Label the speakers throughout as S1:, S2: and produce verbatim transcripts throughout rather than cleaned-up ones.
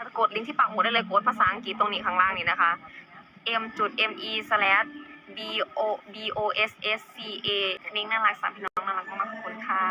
S1: กดลิงก์ที่ปักหมุดได้เลยกดภาษาอังกฤษตรงนี้ข้างล่างนี้นะคะ m จุด m e slash b o b o s s c a นิ้งน่ารักสามพี่น้องน่ารักมากขอบคุณค่ะ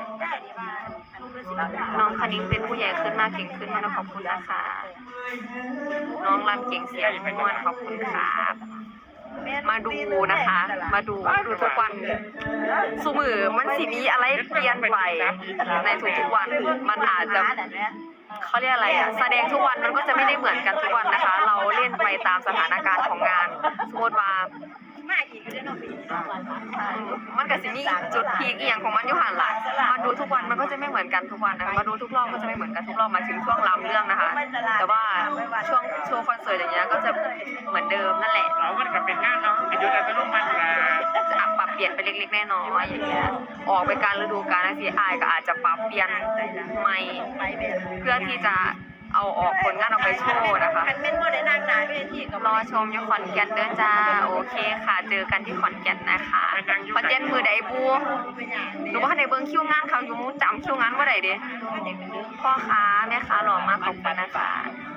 S1: น้องคณิ้งเป็นผู้ใหญ่ขึ้นมากเก่งขึ้นมากขอบคุณนะคะน้องรำเก่งเสียงม่วนขอบคุณครับมาดูนะคะ มาดูดูทุกวันสมือมันสิมีอะไรเปลี่ยนไปในทุกๆวันมันอาจจะเขาเรียกอะไรอะแสดงทุกวันมันก็จะไม่ได้เหมือนกันทุกวันนะคะ เราเล่นไปตามสถานการณ์ของงานสมมติว่ามันก็สิมีจุดพีคอย่างของมันอยู่หันหลังมาดูทุกวันมันก็จะไม่เหมือนกันทุกวันนะมาดูทุกรอบก็จะไม่เหมือนกันทุกรอบมาถึงช่วงรำเรื่องนะคะแต่ว่าช่วงโชว์คอนเสิร์ตอย่างเงี้ยก็จะเหมือนเดิมนั่นแหละ
S2: เรามันก็เป็นงานเนาะเป็นยุทธการร่วมมันนะ
S1: จะปรับเปลี่ยนไปเล็กๆน้อยๆอย่างเงี้ยออกไปการฤดูกาลนะสิอายก็อาจจะปรับเปลี่ยนใหม่เพื่อที่จะเอาออกผลงานออกไปโชว์นะคะรอชมอยู่ขอนแก่นเด้อจ้าโอเคค่ะเจอกันที่ขอนแก่นนะคะขอนแก่นมือใดบูหนูว่าในเบิ้งคิวงานเขาอยู่มูจำคิวงานว่าใดเด้พ่อค้าแม่ค้าหล่อมากขอบคุณนะคะ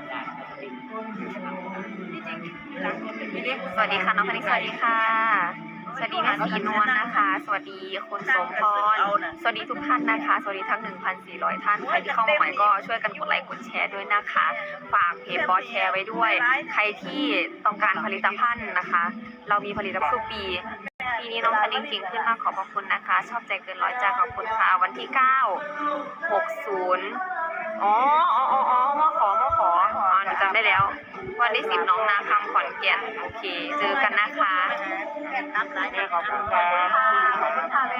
S1: สวัสดีค่ะน้องพนิกสวัสดีค่ะสวัสดีแม่สีนวลนะคะ สวัสดีคุณสมพรสวัสดีทุกท่านนะคะสวัสดีทั้ง หนึ่งพันสี่ร้อย ท่านใครที่เข้ามาใหม่ก็ช่วยกันกดไลค์กดแชร์ด้วยนะคะฝากเพจบอสแชร์ไว้ด้วยใครที่ต้องการผลิตภัณฑ์นะคะเรามีผลิตภัณฑ์สุปีปีนี้น้องคันนิ่งเก่งขึ้นมากขอบพระคุณนะคะชอบใจเกินร้อยจ้าขอบคุณค่ะวันที่เก้า หกสิบอ๋ออ๋ออ๋อมาขอมาขออ๋อหนูจำได้แล้ววันที่สิบน้องนาคำขอนแก่นโอเคเจอกันนะคะ
S2: แม่ขอบคุณค่ะ
S1: ขอบคุณค่ะแม่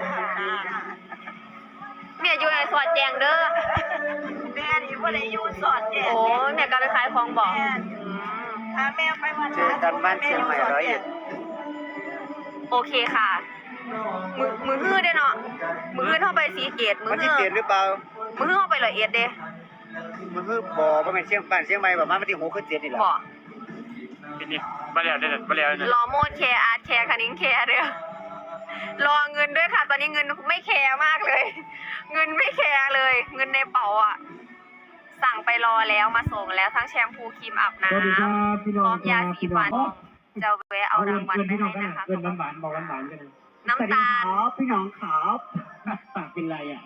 S1: เมียอยู่ในสอดแจงเด้อ
S3: แม่นี่ว่าได้อยู่สอดแจง
S1: โอ้เมียก็ไปขายของบอก
S3: พาแม่ไปวัน
S2: เจอกันบ้านเชียงใหม่ร้อยเอ็ด
S1: โอเคค่ะมือมือฮื้อเด้เนาะมือฮื้อเข้าไปสีเกตมือ
S2: มันที่เกตหรือเปล่า
S1: มือฮื้อเข้าไปร้อยเอ็ดเด้
S2: มันคือบ่อมันเป็นเชียงบ้านเชียงใหม่แบบมันที่หกคือเจ็ดนี่แหละ
S1: บ่
S2: เป็นนี่มาแล้วได้มาแล้ว
S1: รอโมดแคร์อาร์ตแคร์คันนิ้งแคร์เด้อรอเงินด้วยค่ะตอนนี้เงินไม่แคร์มากเลยเงินไม่แคร์เลยเงินในเป๋าอ่ะสั่งไปรอแล้วมาส่งแล้วทั้งแชมพูครีมอาบน้ำพร้อมยาสีฟันจะแวะเอารางวัลไปให้นะคะ
S2: เกินหวานบอกหวานกัน
S1: น้ำตาล
S2: พี่น้องขาวปากเป็นไรอ่ะ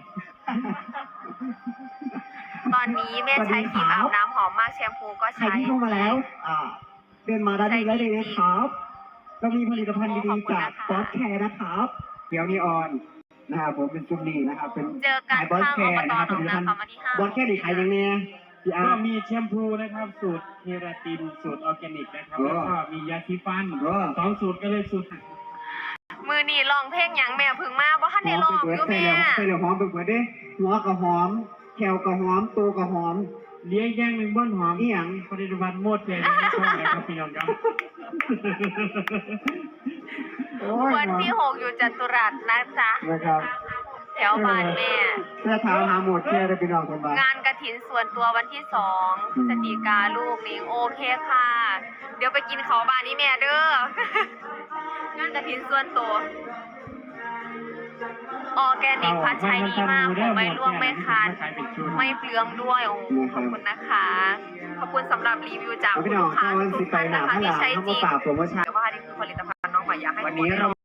S1: ตอนนี้แม่ใช้ครีมอาบน้ำหอมมากแชมพูก็ใช้
S2: เข้ามาแล้วอ่าเดินมาได้ดีแล้วเลยนะครับเรามีผลิตภัณฑ์ดีๆจากบอสแคร์นะครับเดี๋ยวนี้ออนนะครับผมเป็นจุดนี้นะครับเป็น
S1: เจอกันข้างอบตหนองนาคำวันที่ห้า
S2: บอสแคร์นี่ขายยังไง
S4: ก็มีแชมพูนะครับสูตรเคราตินสูตรออร์แกนิกนะครับแล้วก็มียาสีฟันสองสูตรก็เลยสูตร
S1: มือนี่ลองเพลงยังแม่พึ่งมาเพราะท่านได้ลองอยู่แม่
S2: ใส่เหลือหอมไปเปิดดิหัวกับหอมแขวกับหอมตัวกับหอม
S4: เลี้ยงย่างหนึ่งบ้านหอม
S2: นี่อย่าง
S4: ผลิตภัณฑ์หมดเลยไม่ชอบเลยครับพี่น้องครับ
S1: วันที่หกอยู่จัตุรัสนะจ๊ะ
S2: นะครับ
S1: แถวบ้านแม่
S2: เสื้อเท้าหาหมดแค่ได้พี่น้องคนบ้าน
S1: งานกฐินส่วนตัววันที่สองพฤศจิกาลูกนิงโอเคค่ะเดี๋ยวไปกินเขาบ้านนี้แม่เด้องานกฐินส่วนตัวออร์แกนิกพัดใช้ดีมากผมไม่ร่วงไม่คันไม่เปลืองด้วยโอ้ขอบคุณนะคะขอบคุณสำหรับรีวิวจากลูกค้าทุกท่านนะคะที่ใช้จริงแต่ว่านี่คือผลิตภัณฑ์น้องใหม่อยากให้ทุกคน